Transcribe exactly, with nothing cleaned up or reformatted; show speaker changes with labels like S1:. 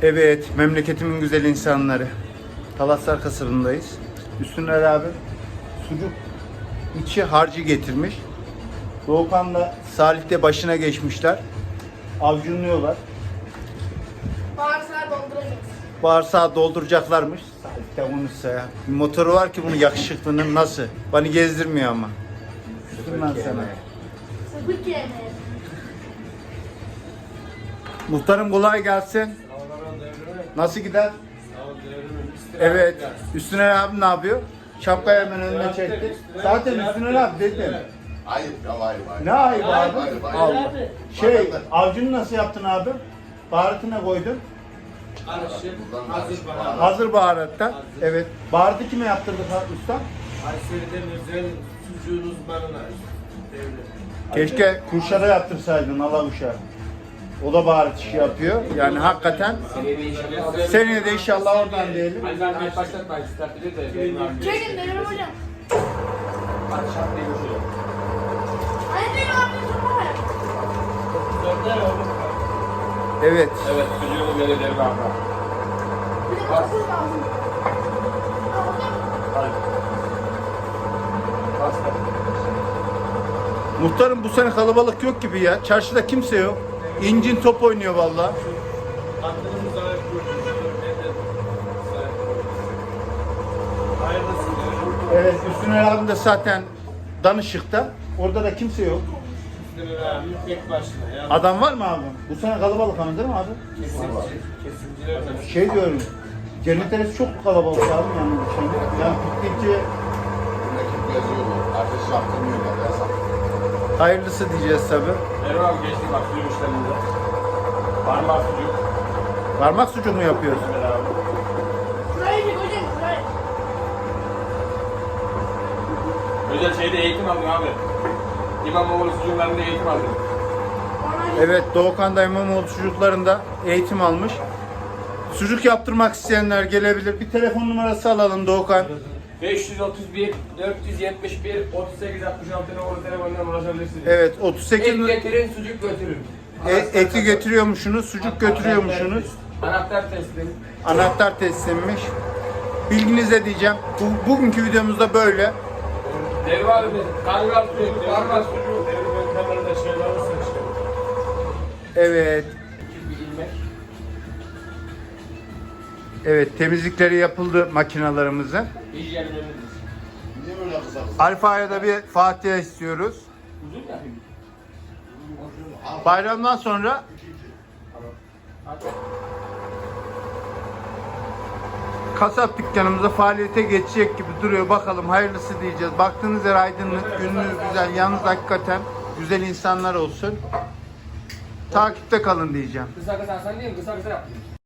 S1: Evet, memleketimin güzel insanları. Talaslar kasabındayız. Üstüne abi sucuk içi harcı getirmiş. Doğukan'la Salih de başına geçmişler. Avcunluyorlar.
S2: Bağırsağı dolduracağız.
S1: Bağırsağı dolduracaklarmış. Salih de konuşsa ya. Bir motoru var ki bunu yakışıklının nasıl? Bana gezdirmiyor ama. Üstüm ben sana.
S2: Sıfır yemeği.
S1: Muhtarım kolay gelsin. Nasıl gider? Evet. Üstüne abi ne yapıyor? Şapkayı hemen önüne çekti. Zaten Üstüne abi dedim.
S3: Ayıp ya ayıp ayıp.
S1: Ne ayıp abi?
S3: Ayıp, ayıp, ayıp.
S1: Allah. Şey, avcunu nasıl yaptın abi? Baharatına koydun.
S4: Karışık, hazır baharat.
S1: Hazır baharatta. Evet. Baharatı kime yaptırdık usta?
S4: Kayseri'den özel sucuğun uzmanına. Devlet.
S1: Keşke Kuşad'a yaptırsaydın Alavuş'a. O da baharat işi yapıyor. Yani hakikaten seneye de inşallah oradan diyelim.
S4: Ali ben kaç başlatmayın, start bilir de. benim abim-
S2: Çekin benim hocam.
S4: Hadi şart değil o şey.
S2: Hani benim abim tutma ver.
S4: Dörder oğlum.
S1: Evet.
S4: Evet, sucuğunu böyle der baba.
S2: Bir de kapısız lazım. Ha hocam.
S4: Hadi. Basta.
S1: Muhtarım bu sene kalabalık yok gibi ya. Çarşıda kimse yok. İncin top oynuyor vallahi.
S4: Aklımız zayıf gördük. Ben de zayıf gördüm. Hayırlısı diyorum.
S1: Evet, Üstüne abim de zaten danışıkta. Orada da kimse yok.
S4: Üstüne abi tek başına. Ya.
S1: Adam var mı abi? Bu sene kalabalık ama değil mi abi?
S4: Kesinci. Kesinciler de.
S1: Şey diyorum. Cennet Eresi çok kalabalık abi yani bu sene. Yani gittikçe
S3: Memleket geziyorlar. Ateş yaptırmıyorlar yasak.
S1: hayırlısı diyeceğiz tabi.
S4: Erol abi geçti bak sucuk işleminde. Parmak sucuk.
S1: Parmak sucuk mu yapıyorsun?
S4: Ömer abi.
S2: Şurayı çek hocam. Şurayı.
S4: Özel şeyde eğitim aldım abi. İmamoğlu sucuklarında eğitim aldım.
S2: Ona
S1: Evet, Doğukan'da İmamoğlu çocuklarında eğitim almış. Sucuk yaptırmak isteyenler gelebilir. Bir telefon numarası alalım Doğukan.
S4: beş yüz otuz bir, dört yüz yetmiş bir, otuz sekiz altmış altı numaralı telefondan ulaşabilirsiniz.
S1: Evet, otuz sekiz
S4: Et getirin, sucuk götürün.
S1: E- eti götürüyormuşsunuz, sucuk götürüyormuşsunuz.
S4: Anahtar teslim.
S1: Anahtar teslimmiş. Bilginize diyeceğim. Bu, bugünkü videomuzda böyle.
S4: Devre abi, kangal sucuk, parmak sucuk. Devre ben kamerada şeyler alırsa işte.
S1: Evet.
S4: İki bilmek.
S1: Evet, temizlikleri yapıldı makinalarımızın.
S4: Hijyen önemlidir.
S3: Niye böyle kısa kısa?
S1: Alfa'ya da bir Fatiha istiyoruz.
S4: Uzun ya.
S1: Bayramdan sonra
S4: Hadi.
S1: kasap dükkanımıza faaliyete geçecek gibi duruyor. Bakalım hayırlısı diyeceğiz. Baktığınız yer aydınlık, gününüz güzel. Yalnız hakikaten güzel insanlar olsun. Takipte kalın diyeceğim.
S4: Kısa kısa sen değil mi? Kısa kısa yap.